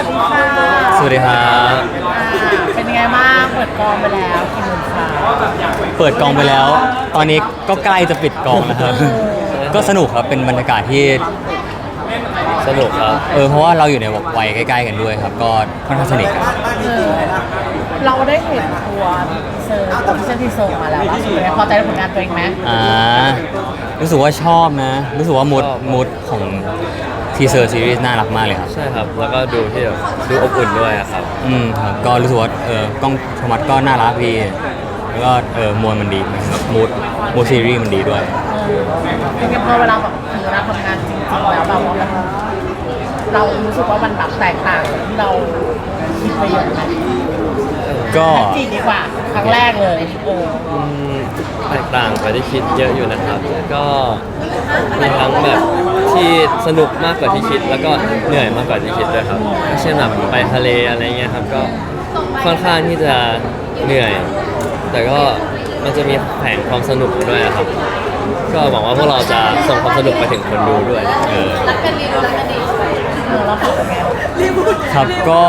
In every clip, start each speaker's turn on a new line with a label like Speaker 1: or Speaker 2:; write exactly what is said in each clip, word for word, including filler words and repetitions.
Speaker 1: วัสดีค่ะ
Speaker 2: สวัสดีครับ
Speaker 1: เป็นยังไงบ้างเปิดกองไปแล้วกี่โมงคะ
Speaker 2: เปิดกองไปแล้ว ตอนนี้ก็ใกล้จะปิดกองแล้วครับ ก็สนุกครับ เป็นบรรยากาศที่
Speaker 3: สนุกครับ
Speaker 2: เออเพราะว่าเราอยู่ในวัยใกล้ๆกันด้วยครับ ก็ค่อนข้างสนิทกัน
Speaker 1: เออเราได้เห็นตัวเซอร์ตัวที่เซอร์ที่ส่งมาแล้วว่าสุดท้ายพอใจในผลงานตัวเองไหม
Speaker 2: อ่ารู้สึกว่าชอบนะ รู้สึกว่ามูดมูดของทีเซอร์ซีรีส์น่ารักมากเลยครับ
Speaker 3: ใช่ครับแล้วก็ดูที่แบบดูอบอุ่นด้วยอะครับ
Speaker 2: อืมครับก็รู้สึกว่าเออกล้องโทมัสก็น่ารักดีแล้วก็เออมวลมันดีแบบมูดมูดซีรีส์มันดีด้วย
Speaker 1: เออเป็นไงพอเวลาแบบถึงเวลาทำงานจริงๆแล้วแบบว่ามันเรารู้สึกว่ามันแบบแตกต่างจากที่เราคิดไปเยอะไหม
Speaker 2: ก็
Speaker 1: จริงดีกว่าครั้งแรกเลยเออ
Speaker 3: อืมแตกต่างไปที่คิดเยอะอยู่นะครับก็มีทั้งแบบที่สนุกมากกว่าที่คิดแล้วก็เหนื่อยมากกว่าที่คิดด้วยครับก็เช่นแบบไปทะเลอะไรเงี้ยครับก็ค่อนข้างที่จะเหนื่อย แต่ก็มันจะมีแผงความสนุกด้วยครับก็หวังว่าพวกเราจะส่งความสนุกไปถึงคนดูด้วยเออ
Speaker 1: รักกันดีรักกันดีเออเราเป็นไง
Speaker 2: ครับก็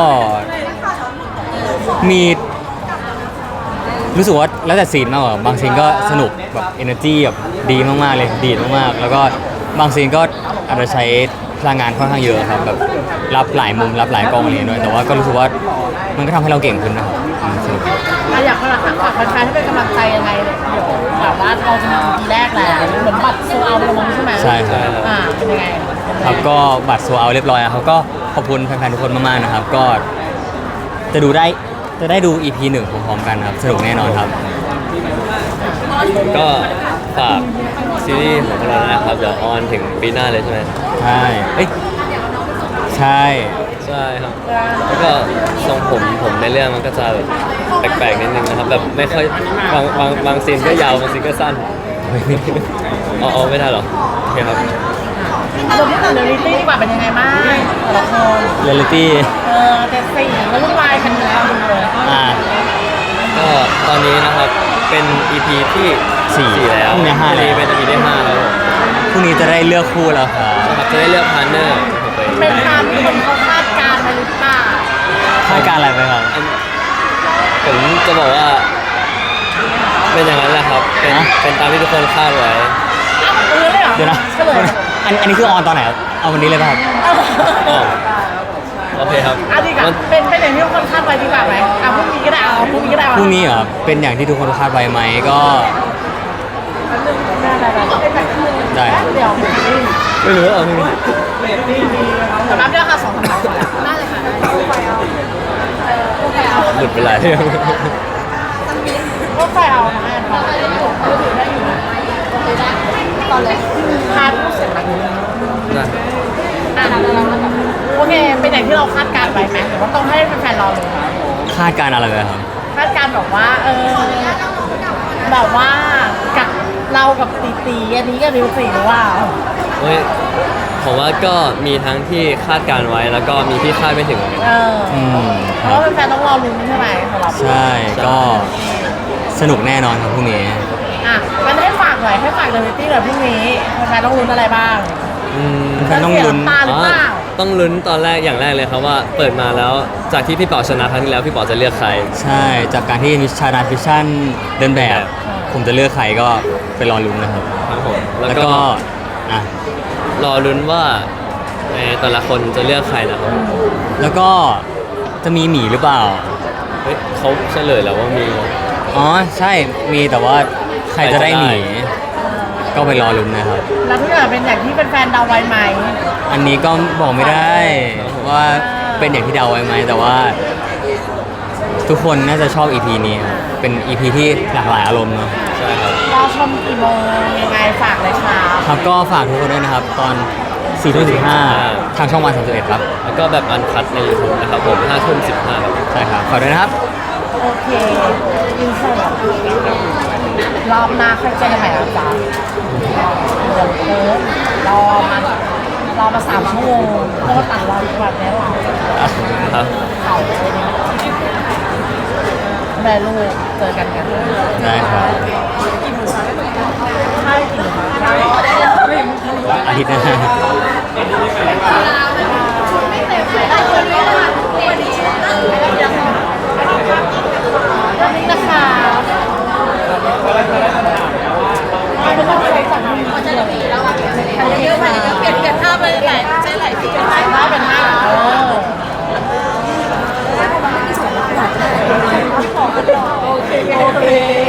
Speaker 2: มีรู้สึกว่าแล้วแต่ซีนมากกว่าบางซีนก็สนุกแบบ energy แบบดีมากๆเลยดีมากๆแล้วก็บางซีนก็อาจจะใช้พลังงานค่อนข้างเยอะครับแบบรับหลายมุมรับหลายกล้องอะไรด้วยแต่ว่าก็รู้สึกว่ามันก็ทำให้เราเก่งขึ้นนะครับสนุก
Speaker 1: อยากฝากฝากแฟนๆให้เป็นกำลังใจยังไงเดี๋ยวแบบว่าเราจะมีทีแรกแล้วเหมือนบัตรโซเอาไปแล้วใช่ไหม
Speaker 2: ใช่ครับ
Speaker 1: อ่าเป็นยังไง
Speaker 2: ครับก็บัตรโซเอาเรียบร้อยครับก็ขอบคุณแฟนๆทุกคนมากๆนะครับก็จะดูได้จะได้ดู อี พี หนึ่งพร้อมๆกันครับสนุกแน่นอนครับ
Speaker 3: ก็ฝากซีรีส์ของเรานะครับเดี๋ยวออนถึงปีหน้าเลยใช่ไหม
Speaker 2: ใช่เอ้ยใช่
Speaker 3: ใช่ครับแล้วก็ทรงผมผมในเรื่องมันก็จะแปลกๆนิดนึงนะครับแบบไม่ค่อยบางบางบางซีนก็ยาวบางซีนก็สั้นอ๋ออ๋อไม่ได้หรอโอเคครับ
Speaker 1: เราพูดถึงเรียลลิตี้ดีกว่าเป็นยังไงบ้างแต่ละคน
Speaker 2: เรียลลิตี้
Speaker 1: เออแต่สี่แล้ววุ่นวายกันอยู่แล้วเลย
Speaker 2: อ่า
Speaker 3: ก็ตอนนี้นะครับเป็น อี พี ที่สี่แล้ว
Speaker 2: พรุ่งนี้ห้าแล้ว
Speaker 3: เป็น อี พี ที่ห้าแล้ว
Speaker 2: พรุ่งนี้จะได้เลือกคู่แล้วครับ
Speaker 3: ครับจะได้เลือกพาร์ทเนอร์
Speaker 1: เป็นตามที่คนเขาคาดการณ์มาหรือเปล่า
Speaker 2: คาดการณ์อะไรไปครับ
Speaker 3: ผมจะบอกว่าเป็นอย่างนั้นแหละครับเป็นเป็นตามที่ทุกคนคาดไว้
Speaker 2: เดี๋ยวนะอันอันนี้คือออนตอนไหนครับเอาวันนี้เลยป่ะครับ
Speaker 3: โอเคครับ
Speaker 1: อันนี้ก็เป็นเป็นอย่างที่ทุกคนคาดไว้ดีกว่าไหมอ่ะพรุ่งนี้ก็ได้เอาพรุ่งนี้ก็ได้
Speaker 2: พรุ่งนี้เหรอเป็นอย่างที่ทุกคนคาดไว้ไหมก็ได้
Speaker 1: เดี๋ยว
Speaker 3: ไม่รู้อ่ะนี่
Speaker 1: แต่รับเรื่องค่ะสองสามได้เลยค่ะ
Speaker 3: หลุดไปหลายเรื่อง
Speaker 1: ก็ไฟเอานะแอนฟ้าได้อยู่ได้อยู่ตอนแรกคาดเสร็จแล้วอ่ะโอเคเป็นอย่างที่เราคาดการไว้ไหมหรือว่าต้องให้แฟนๆรอเลย
Speaker 2: คาดการอะไรเลยครับ
Speaker 1: คาดการบอกว่าเออแบบว่ากับเรากับตีตีอันนี้กับริวสีหรือว่า
Speaker 3: เฮ้ยผมว่าก็มีทั้งที่คาดการไว้แล้วก็มีที่คาดไม่ถึง
Speaker 1: เออเพราะว่าแฟนๆต้องรอลุ้นใช่ไหมสำหรับ
Speaker 2: ใช่ก็สนุกแน่นอนครับพรุ่งนี้
Speaker 1: อ่ะงั้นให้ฝากหน่อยให้ฝากเดลิตี้หน่อยพรุ่งนี้แฟนๆต้องลุ้นอะไรบ้าง
Speaker 2: แฟนต้องลุ้น
Speaker 3: ต้องลุ้นตอนแรกอย่างแรกเลยครับว่าเปิดมาแล้วจากที่พี่ป๋อชนะครั้งที่แล้วพี่ป๋อจะเลือกใคร
Speaker 2: ใช่จากการที่มิชานาฟิชชั่นเดินแบบผมจะเลือกใครก็ไปรอลุ้นนะครับ
Speaker 3: ครับผม
Speaker 2: แล้วก็อ่ะ
Speaker 3: รอลุ้นว่าแต่ละคนจะเลือกใครนะครับ
Speaker 2: แล้วก็จะมีหมีหรือเปล่า
Speaker 3: เฮ้ยเขาเฉลยแล้วว่ามี
Speaker 2: อ๋อใช่มีแต่ว่าใครจะได้หมีก็ไปรอลุ้นนะครับ
Speaker 1: แล้วทุกอย่างเป็นอย่างที่เป็นแฟนเดาไว้ไหม
Speaker 2: อันนี้ก็บอกไม่ได้ว่าเป็นอย่างที่เดาไว้ไหมแต่ว่าทุกคนน่าจะชอบ อี พี นี้เป็น อี พี ที่หลากหลายอารมณ์เนาะ
Speaker 3: ใช่ครับ
Speaker 1: รอชมกี่โมงยังไงฝากเลยค่ะ
Speaker 2: ครับก็ฝากทุกคนด้วยนะครับตอนสี่ทุ่มสิบห้าทางช่องวันสามสิบเอ็ดครับ
Speaker 3: แล้วก็แบบอันคัดใน YouTube นะครับผมห้าทุ่มสิบห้าครับ
Speaker 2: ใช่ครับฝากด้วยนะครับ
Speaker 1: โอเคอินเสิร์ตรอบหน้าค่อยเจอกันใหม่นะจ๊ะเดี๋ยวเออรอมารอมาสามชั่วโมงเพราะว่าต่างรออีกวันแล้ว
Speaker 3: ครับ
Speaker 1: เขาแม่ลูกเจอกันกัน
Speaker 2: ได้ครับ
Speaker 1: ใช่กี่โมง
Speaker 2: อาทิตย์หน้า
Speaker 1: โอเคโอเค